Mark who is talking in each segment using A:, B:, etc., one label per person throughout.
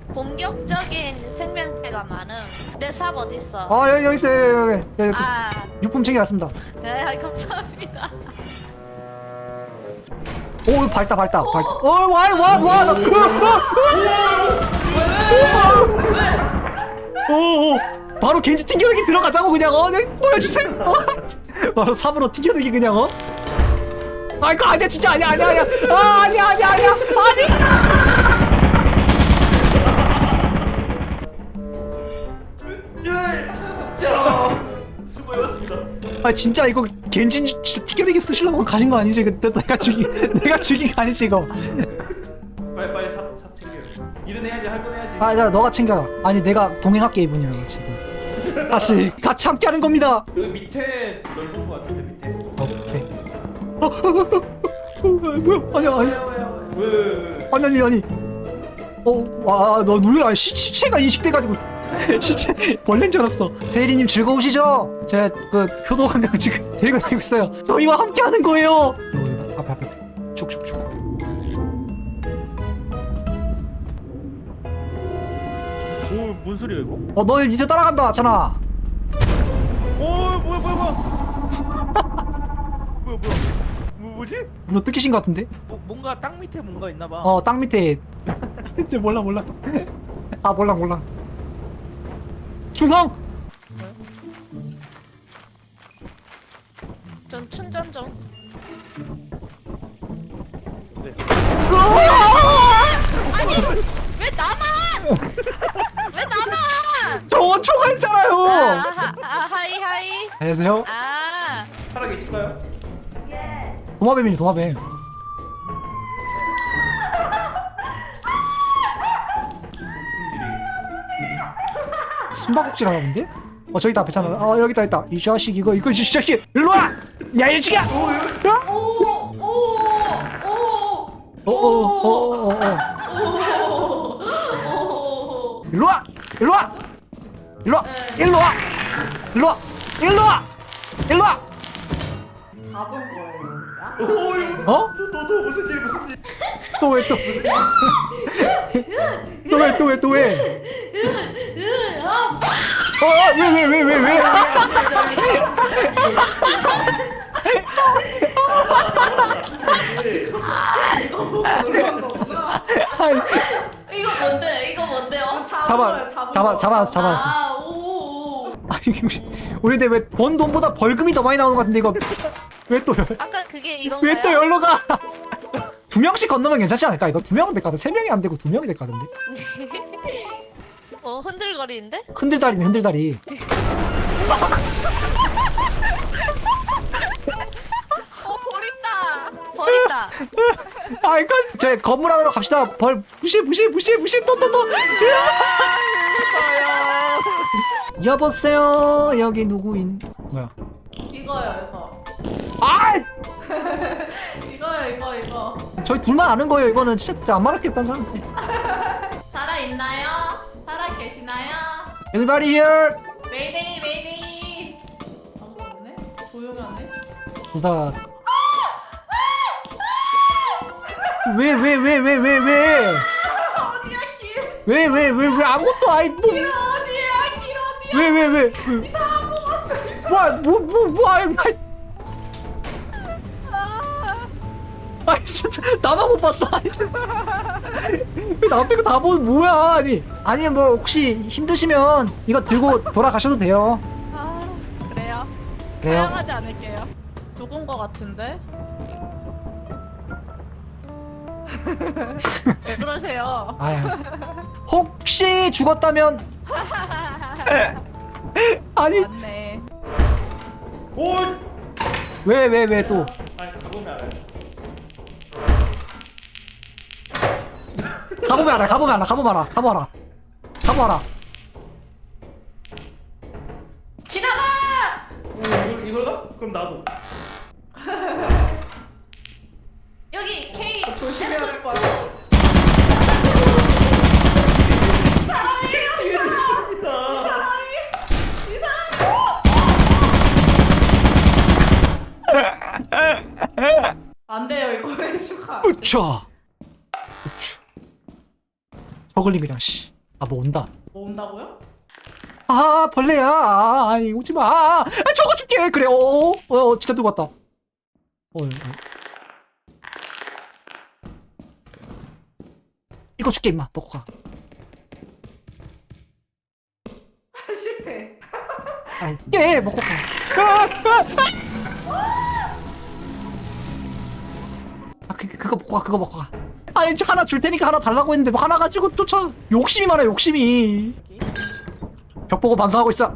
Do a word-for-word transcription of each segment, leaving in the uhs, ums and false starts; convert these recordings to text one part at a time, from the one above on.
A: 공격적인 생명체가 많음. 내 삽 어딨어?
B: 아 여기 여기 있어요. 여기 여기.
A: 아,
B: 유품 챙겨왔습니다.
A: 네, 감사합니다.
B: 오 밝다 밝다 밝다. 어와와와 나. 오 바로 겐지 튕겨내기 들어가자고 그냥 어 네, 보여주세요. 어. 바로 삽으로 튕겨내기 그냥 어. 아 이거 아니야 진짜 아니야 아니야 아니야 아 아니야 아니야 아니야 아니.
C: 수고해봤습니다.
B: 아 진짜 이거 겐지 진짜 튕겨내기 쓰시려고 가신 거 아니지? 이거 내가 죽이 내가 죽인 거 아니지 이거?
C: 빨리 빨리 삽, 삽 챙겨. 일은 해야지, 할 건 해야지.
B: 아 야 너가 챙겨라. 아니 내가 동행할게 이분이랑 지금. 같이 같이 함께 하는 겁니다.
C: 여기 밑에 넓은 거 같은데 밑에.
B: 오케이. 어, 어, 어, 어, 어, 뭐야? 아니야 아니야.
C: 왜? 왜, 왜, 왜?
B: 아니 아니 아니. 어와너 놀래라. 시, 시체가 인식돼가지고 시체 벌레인 줄 알았어. 세일이님 즐거우시죠? 제가 그 효도관광 지금 데리고 다니고 있어요. 저희와 함께 하는 거예요. 여기서 앞에 앞에 축축축.
C: 오, 뭔 소리야 이거?
B: 어 너네 밑에 따라간다 찬아.
C: 오, 뭐야 뭐야 뭐야. 뭐야 뭐야. 뭐 뭐지?
B: 너 뜯기신 것 같은데?
C: 뭐, 뭔가 땅 밑에 뭔가 있나 봐.
B: 어 땅 밑에. 이제 몰라 몰라. 아 몰라 몰라. 충성.
A: 전 충전 중.
C: 네.
A: 아니, 왜 나만? 왜 나만?
B: 저 초과했잖아요.
A: 아, 하, 아, 하이 하이.
B: 안녕하세요.
A: 아,
C: 살아 계실까요?
B: 도마뱀이니 도마뱀.
C: 무슨 일이?
B: 숨바꼭질 하나 본데? 어 저기 있다 앞에 어 여기 있다 있다. 이 자식 이거 이거 이 자식 일로 와. 야 일찍이야. 어어어어어 일로 와 일로 와 일로 와 일로 와 일로 와 일로 와 일로 와.
C: 오, 이거
B: 어?
C: 너너 무슨 일 무슨 일?
B: 또 왜 또? 또 왜 또 왜 또 왜? 어왜왜 왜 왜 왜?
A: 이거 뭔데? 이거 뭔데요?
B: 잡아 잡아 잡아 잡았어.
A: 아, 오.
B: 아니 우리 우리 근데 왜 번 돈보다 벌금이 더 많이 나오는 것 같은데 이거 왜 또
A: 아까 그게 이건가요?
B: 왜 또 열로 가? 두 명씩 건너면 괜찮지 않을까? 이거 두 명은 될 것 같아. 세 명이 안 되고 두 명이 될 것 같은데.
A: 어, 흔들거리는데?
B: 흔들다리네 흔들다리.
A: 어, 버린다. 버린다.
B: 아 이거 저희 건물 하나로 갑시다. 벌 무시 무시 무시 무시 또 또 또. 여보세요 여기 누구인? 뭐야?
D: 이거요 이거
B: 아
D: 이거요 이거 이거
B: 저희 둘만 아는 거예요. 이거는 진짜 안 말할겠다는 사람한테.
D: 살아있나요? 살아 계시나요?
B: Anybody here?
D: 메이데이 메이데이 아무도 없네? 조용하네?
B: 부사. 왜 왜 왜 왜 왜 왜?
D: 어디야 길
B: 왜 왜 왜 왜 아무것도 아이 뭐.
D: 길 어디야 길 어디야
B: 왜 왜 왜 왜?
D: 이상한 거 봤어
B: 뭐야 뭐뭐뭐 아이 아이. 아니 진짜 나만 못 봤어. 아니 나 빼고 다 보는 뭐야? 아니 아니 뭐 혹시 힘드시면 이거 들고 돌아가셔도 돼요.
D: 아 그래요?
B: 그래요.
D: 사용하지 않을게요 죽은 거 같은데? 왜 그러세요?
B: 아유 혹시 죽었다면 아니
D: 맞네
C: 오!
B: 왜 왜 왜 또
C: 아니 가보면 알아요.
B: 가보면 알아 가보면 알아 가보면 알아 가보면 알아 가보면 알아.
A: 지나가!
C: 오, 이걸 이걸 가? 그럼 나도.
A: 여기 K
D: 조심해야 될 거야 안 돼요 이거 왜 수가
B: 으차 으차 저글링 그냥 씨 아 뭐 온다.
D: 뭐 온다고요?
B: 아 벌레야. 아, 아니 오지마. 아, 아, 저거 줄게. 그래. 어, 어, 어 진짜 누구 왔다. 어, 어. 이거 줄게 임마. 먹고 가.
D: 실패.
B: 아니 예 먹고 가. 아, 아, 아. 아 그, 그거 먹고 가. 그거 먹고 가. 아니 저 하나 줄 테니까 하나 달라고 했는데 뭐 하나 가지고 쫓아. 욕심이 많아 욕심이. 벽 보고 반성하고 있어.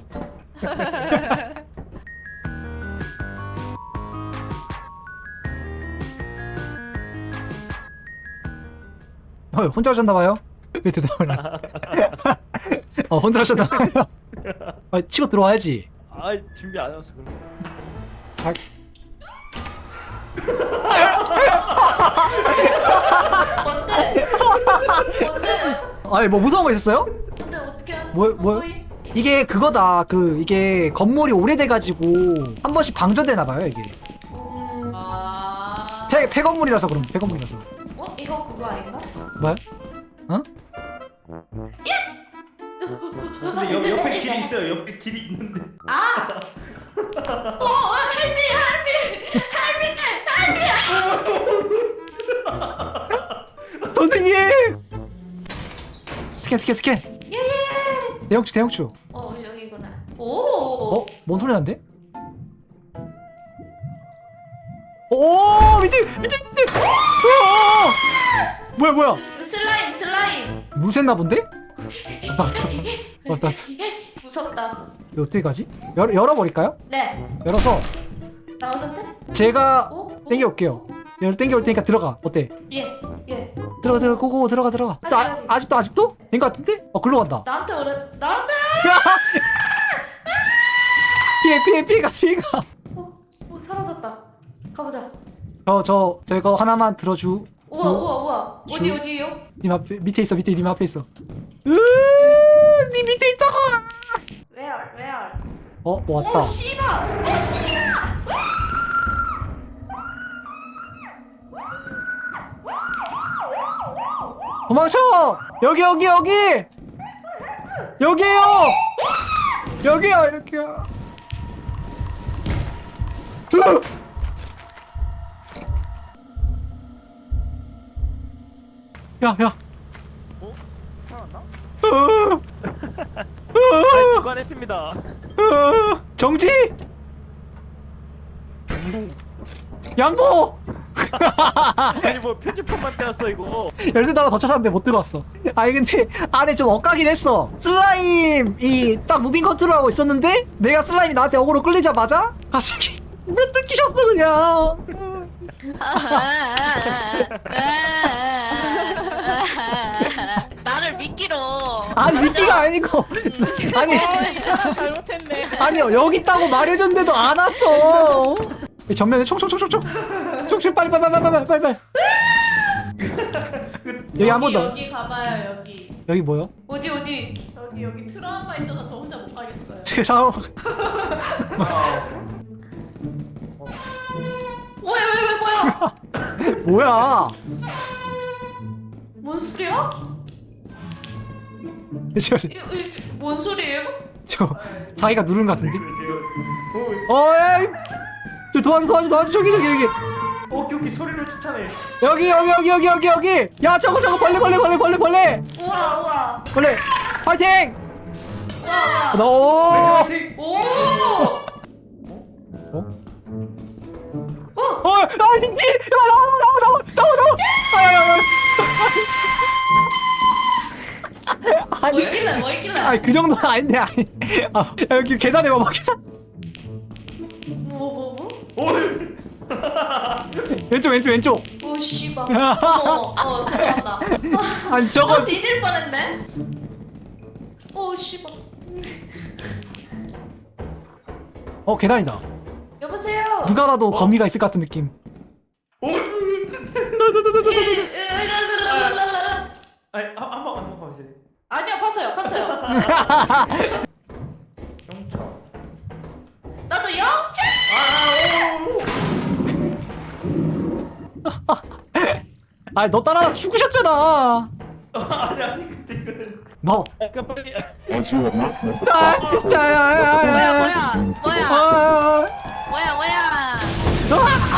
B: 어, 혼자 오셨나봐요? 왜 대답을 안 어, 혼자 오셨나봐요? 아, 치고 들어와야지.
C: 아 준비 안 해왔어 그럼.
B: 아,
A: 뭔데? 뭔데?
B: 아니, 뭐 무서운 거 있었어요?
A: 근데 어떻게 하는
B: 뭐,
A: 거야?
B: 뭐,
A: 거의?
B: 이게 그거다. 그, 이게 건물이 오래돼가지고 한 번씩 방전되나봐요, 이게.
A: 음... 아...
B: 폐, 폐건물이라서 그럼, 폐건물이라서.
A: 어? 이거 그거 아닌가?
B: 뭐야? 어?
C: 근데 옆, 옆에 길이 있어요. 옆에 길이 있는데.
A: 아! 어! 할미! 할미! 할미!
B: 선생님! 스캔, 스캔, 스캔!
A: 예예예!
B: 대형추, 대형추.
A: 어 여기구나. 오!
B: 어? 뭔 소리 나는데? 오! 밑에! 밑에! 밑에! 오! 뭐야, 뭐야?
A: 슬라임 슬라임!
B: 무쇠나 본데? 왔다, 왔다, 왔다. 왔다.
A: 무섭다.
B: 이거 어떻게 가지? 열, 열어버릴까요?
A: 네.
B: 열어서
A: 나오는데?
B: 제가
A: 어?
B: 땡겨올게요. 열 땡겨올 테니까 들어가. 어때?
A: 예. 예.
B: 들어가 들어가 고고 들어가 들어가. 자,
A: 아직, 아직.
B: 아, 아직도 아직도? 된 거 같은데? 어 글로 간다.
A: 나한테 오래 나한테.
B: 피해 피해 피해가 피해가.
A: 어, 어 사라졌다. 가보자.
B: 저저 저거 하나만 들어주.
A: 우와
B: 어?
A: 우와 우와. 어디
B: 주-
A: 어디요?
B: 님 앞에 밑에 있어 밑에 님 앞에 있어. 으, 님 밑에 있다고.
A: Where where?
B: 어, 뭐 왔다.
A: 어 씨발. 어 씨발.
B: 도망쳐! 여기 여기 여기! 여기에요! 여기요 여기요. 으! 야 야.
C: 어? 살았나?
B: 으!
C: 아 주관했습니다.
B: 으! 정지! 양보!
C: 아니 뭐 표지판만 떼었어 이거.
B: 열대 달러 더 찾았는데 못 들어왔어. 아니 근데 안에 좀 엇가긴 했어. 슬라임이 딱 무빙 컨트롤하고 있었는데 내가 슬라임이 나한테 어그로 끌리자마자 갑자기 왜 뜯기셨어 그냥.
A: 나를 미끼로.
B: 아니 미끼가 아니고 아니
D: 잘못했네.
B: 아니요 여기 있다고 말해줬는데도 안 왔어. 전면에 총총총총총 총총 빨리 빨리 빨리 빨리 빨리 빨리. 여기 한 번 더.
D: 여기 가봐요 여기.
B: 여기 뭐요?
A: 어디 어디?
D: 저기 여기 트라우마 있어서 저 혼자 못 가겠어요.
B: 트라우.
A: 왜 왜 왜 뭐야?
B: 뭐야?
A: 뭔 소리야?
B: 저,
A: 이, 이, 뭔 소리예요?
B: 저 자기가 누른 것 같은데?
C: 어,
B: 어, 에이! 저 도와줘, 도와줘, 도와줘, 저기, 저기, 여기.
C: 어, 오케이 오케이 소리로 추천해.
B: 여기, 여기, 여기, 여기, 여기, 여기! 야, 저거, 저거, 벌레, 벌레, 벌레, 벌레, 벌레!
A: 우와 우와
B: 벌레! 파이팅!
A: 우와 우와.
B: 너, 오!
A: 오!
B: 어? 어, 아, 니, 니! 나와, 나와, 나와, 나와, 나와! 아, 야, 야, 야.
A: 뭐
B: 아니,
A: 있길래 뭐 있길래?
B: 아니, 그 정도는 아닌데, 아니. 아, 야, 여기 계단에 봐봐, 계단.
A: 뭐 뭐 뭐?
C: 오.
B: 왼쪽, 왼쪽, 왼쪽.
A: 오 씨발. 어머 어 죄송합니다.
B: 아니, 저거.
A: 어, 뒤질 뻔했네. 오 씨발.
B: 어, 계단이다.
A: 여보세요.
B: 누가 봐도 거미가 있을 것 같은 느낌.
C: 오. 아니 한번 한번 봐주세요.
A: 아니요 봤어요 봤어요.
C: 영차.
A: 나도 영차.
C: 아, 오.
B: 아니, 너 따라 죽으셨잖아.
C: 아니 아니 근데 있거든.
B: 뭐?
C: 그러니까 빨리.
B: 아 진짜야.
E: 뭐야 뭐야 뭐야
B: 아,
E: 뭐야 뭐야
B: 아,